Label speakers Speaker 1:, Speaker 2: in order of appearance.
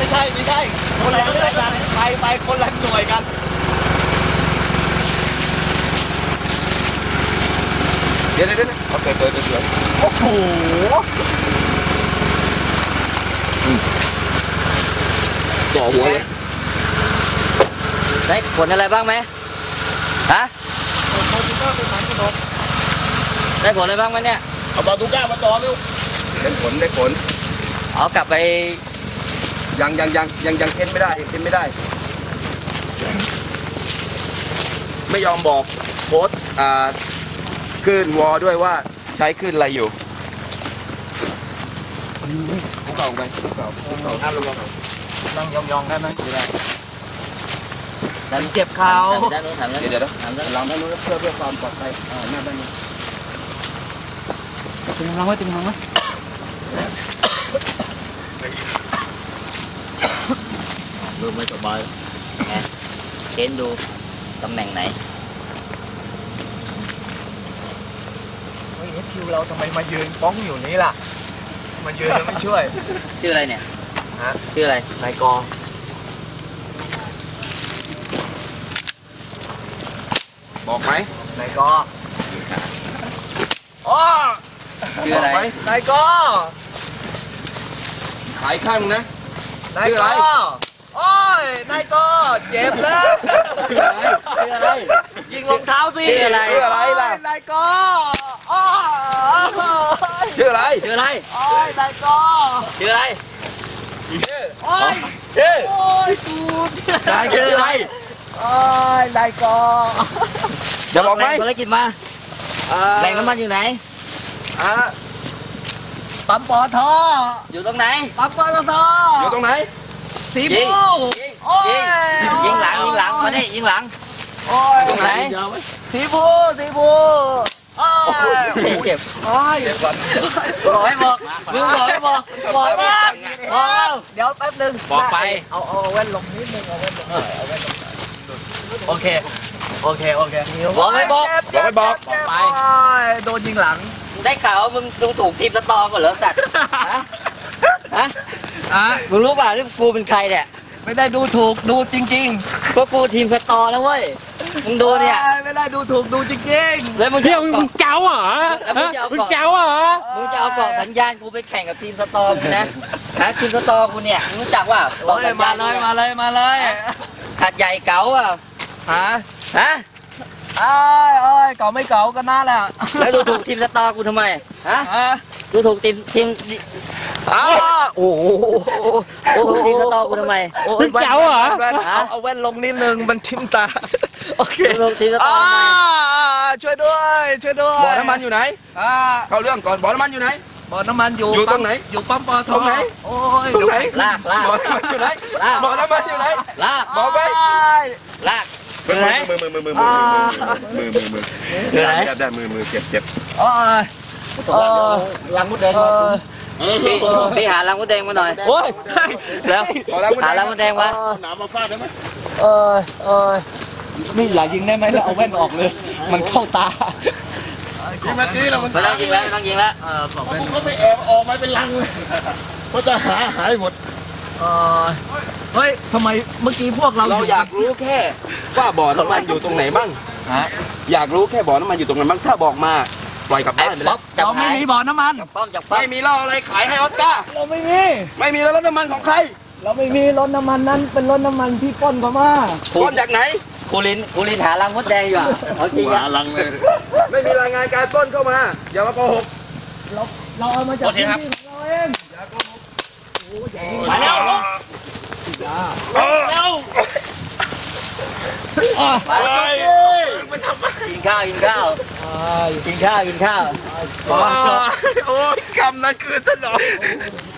Speaker 1: ไม่ใช่คนละเรื่องกันไปคนละหน่วยกันเดี๋ยวโอเคตัวโอ้โหจ่อหัวเลย
Speaker 2: ได้ผลอะไรบ้างไหมฮะได้ผลอะไรบ้างไหมเนี่ย
Speaker 1: เอาบาตูก้ามาต่อเร็วได้ผล
Speaker 2: เอากลับไป
Speaker 1: ยังเค้นไม่ได้ไม่ยอมบอกโค้ดคลื่นวอด้วยว่าใช้คลื่นอะไรอยู่เก่าไปเก่าห้ามลงนั่งยองได้ไหมได้
Speaker 2: ดันเจ็บเขาเ
Speaker 1: ดี๋ยวลองด้านนู้นเพื่อความปลอดภัยหน้าด้านนี้
Speaker 2: ตึงกำลังไว้ดูไม่สบายไงเค้นดูตำแหน่งไหน
Speaker 1: คิวเราทำไมมายืนป้องอยู่นี้ล่ะมายืนแล้วไม่ช่วย
Speaker 2: ชื่ออะไรเนี่ยชื่ออะไร
Speaker 1: นายกอบอกไหมนายกออ๋อ
Speaker 2: ชื่ออะไร
Speaker 1: นายกอขายข้างนะนายกอโอ้ยนายกอเจ็บแล้วชื่ออะไรยิงรองเท้าสิ
Speaker 2: ชื่ออะไร
Speaker 1: ล่ะนายกอชื่ออะไรโอ้ยนายกอ
Speaker 2: ชื่ออะไร
Speaker 1: โอ้ยกู
Speaker 2: นายชื่ออะไร
Speaker 1: โอ้ยนายกอจะบอกไหม
Speaker 2: ภารกิจมาแหล่งน้ำมันอยู่ไหน
Speaker 1: ปั๊มปอท
Speaker 2: อยู่ตรงไหน
Speaker 1: ปั๊มปอทอยู่ตรงไหนสีบู
Speaker 2: ยิงหลังมาดิยิงหลัง
Speaker 1: ตรงไหนสีบู
Speaker 2: โอ้ยเจ็บบอกให้บอกมึงบอกให้บอก
Speaker 1: เดี๋ยวแป๊บนึง
Speaker 2: บอกไป
Speaker 1: เอาแว่นลงนิดนึงเอาแว่นลงโอเค
Speaker 2: บอกให้บอก
Speaker 1: ไปโดนยิงหลัง
Speaker 2: ได้ข่าวมึงถูกทีมสตอก่อนเหรอสัตว์มึงรู้ป่ะที่กูเป็นใครเนี่ย
Speaker 1: ไม่ได้ดูถูกดูจริง
Speaker 2: ๆก็กูทีมสตอแล้วเว้ยมึงดูเนี่ย
Speaker 1: ไม่ได้ดูถูกดูจริง
Speaker 2: แล้วมึงเที่ยวมึงเจ้าเหรอ
Speaker 1: มึงจะเอา
Speaker 2: เกาะสัญญาณกูไปแข่งกับทีมสตอมึงนะทีมสตอกูเนี่ยรู้จักว่า
Speaker 1: มาเลย
Speaker 2: ขัดใหญ่เก๋าอ่ะ
Speaker 1: เก่าไม่เก่ากันน่าแหละ
Speaker 2: แล้วดูถูกทีมสตอกูทำไมดูถูกทีม
Speaker 1: โอ้โห
Speaker 2: ทีมสตอกูทำไม
Speaker 1: มึงเจ๋วเหรอเอาแว่นลงนิดนึงมันทิ่มตาโอเค
Speaker 2: ทีมสตอ
Speaker 1: ช่วยด้วยบ่อน้ำมันอยู่ไหนเข้าเรื่องก่อนบ่อน้ำมันอยู่ไหนบ่อน้ำมันอยู่ตรงไหนอยู่ปั๊มปอทตรงไหนโอ้ยตรงไหน
Speaker 2: ลาก
Speaker 1: บ่อน้ำมันอยู่ไหนบ่อน้ำมันอยู่ไหน
Speaker 2: ลาก
Speaker 1: บอกไป
Speaker 2: ลาก
Speaker 1: มือได้มือเจ็บลังมดแดง
Speaker 2: พี่หาลังมดแดงมาหน่อย
Speaker 1: โอ้ย
Speaker 2: แล้วหาลังมดแดงมา
Speaker 1: หนามมาฟาดได้ไหมนี่อย่ายิงได้ไหมแล้วเอาแว่นออกเลยมันเข้าตายิงมาตีเรา
Speaker 2: ไม่ต้องยิงแล้ว
Speaker 1: ผมก็ไปแอบออกมาเป็นลังเลยเพราะจะหายหมดเฮ้ยทำไมเมื่อกี้พวกเราอยากรู้แค่ว่าบ่อน้ำมันอยู่ตรงไหนบ้างอยากรู้แค่บ่อน้ำมันอยู่ตรงไหนบ้างถ้าบอกมาปล่อยกลับบ้านไปแล้วเราไม่มีบ่อน้ำมันไม่มีเหล้าอะไรขายให้ออสการ์เราไม่มีแล้วรถน้ำมันของใครเราไม่มีรถน้ำมันนั้นเป็นรถน้ำมันที่ป้นเข้ามาป้นจากไหน
Speaker 2: กูลินหาลังมดแดงอยู่เอาจริงหาลังเลย
Speaker 1: ไม่มีรายงานการป้นเข้ามาอย่ามาโกหกเราเอามาจากที่นี่ของเราเองอย่าโกหก
Speaker 2: มาแล้วกินข้าว
Speaker 1: โอ้ยกำนั้นคือถนอม